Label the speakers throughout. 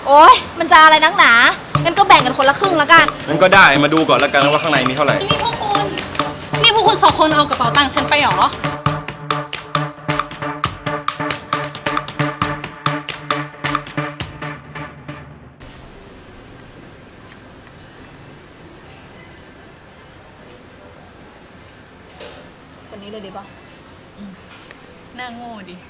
Speaker 1: โอ๊ยมันจะอะไรนักหนางั้นก็แบ่งกันคนละครึ่งแล้วกัน
Speaker 2: งั้นก็ได้มาดูก่อนแล้วกันว่าข้างในมีเท่าไหร่
Speaker 3: นี่พวกคุณสองคนเอากระเป๋าตังค์ฉันไปหรอ
Speaker 1: คนนี้เลยดีป่ะ
Speaker 3: น่าโง่ดิ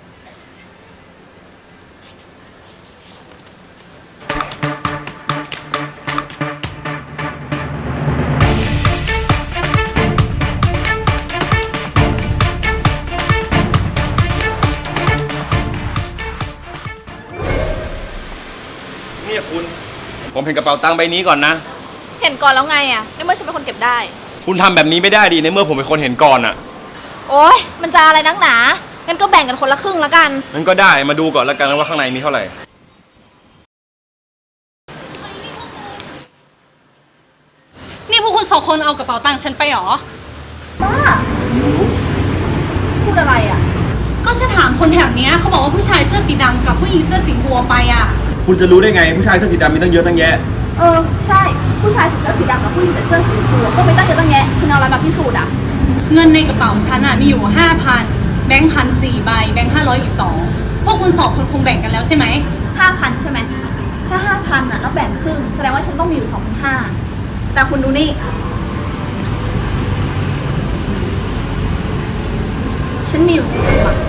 Speaker 2: เนี่ยคุณผมเห็นกระเป๋าตังค์ใบนี้ก่อนนะ
Speaker 1: เห็นก่อนแล้วไงอ่ะในเมื่อฉันเป็นคนเก็บได้
Speaker 2: คุณทำแบบนี้ไม่ได้ดิในเมื่อผมเป็นคนเห็นก่อนอ่ะ
Speaker 1: โอ๊ยมันจะอะไรนักหนางั้นก็แบ่งกันคนละครึ่งแล้วกัน
Speaker 2: งั้นก็ได้มาดูก่อนแล้วกันว่าข้างในมีเท่าไหร่
Speaker 3: นี่พวกคุณสองคนเอากระเป๋าตังค์ฉันไปหรอ
Speaker 1: บ้าพูดอะไรอ่ะ
Speaker 3: ก็ฉันถามคนแถวนี้เขาบอกว่าผู้ชายเสื้อสีดำกับผู้หญิงเสื้อสีบัวไปอ่ะ
Speaker 2: คุณจะรู้ได้ไงผู้ชายเสื้อสีดำมีตั้งเยอะตั้งแยะ
Speaker 1: ใช่ผู้ชายใส่เสื้อสีดำกับผู้หญิงใส่เสื้อสีบัวก็ไม่ตั้งเยอะตั้งแยะคุณเอาอะไรมาพิสูจน์อ่ะ
Speaker 3: เงินในกระเป๋าฉันอ่ะมีอยู่ 5,000 แบงค์พัน4ใบแบงค์500อีก2พวกคุณสองคนคงแบ่งกันแล้วใช่ไหม
Speaker 1: 5,000ใช่ไหมถ้า 5,000 อ่ะแล้วแบ่งครึ่งแสดงว่าฉันต้องมีอยู่ 2,500แต่คุณดูนี่ฉันมีอยู่40 บาท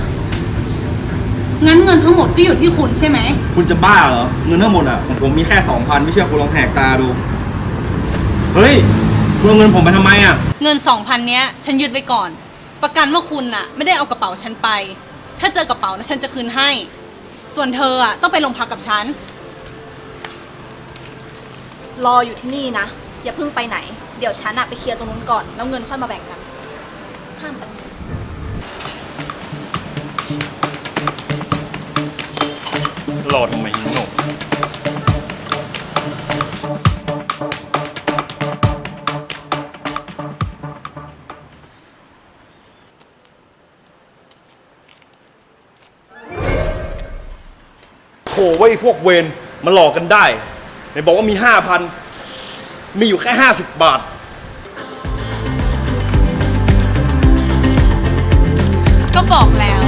Speaker 3: งั้นเงินทั้งหมดก็อยู่ที่คุณใช่ไหม
Speaker 2: คุณจะบ้าเหรอเงินทั้งหมดอ่ะของผมมีแค่ 2,000ไม่เชื่อคุณลองแหกตาดูเฮ้ยคุณเอาเงินผมไปทำไมอ่ะ
Speaker 3: เงิน 2,000 เนี้ยฉันยึดไว้ก่อนประกันว่าคุณน่ะไม่ได้เอากระเป๋าฉันไปถ้าเจอกระเป๋านะฉันจะคืนให้ส่วนเธออ่ะต้องไปโรงพักกับฉัน
Speaker 1: รออยู่ที่นี่นะอย่าเพิ่งไปไหนเดี๋ยวฉันอะไปเคลียร์ตรงนู้นก่อนแล้วเงินค่อยมาแบ่งกันห้ามไป
Speaker 2: รอทำไมหนูโถ่ไว้พวกเวรมาหลอกกันได้ไหนบอกว่ามี 5,000มีอยู่แค่50 บาท
Speaker 3: ก็บอกแล้ว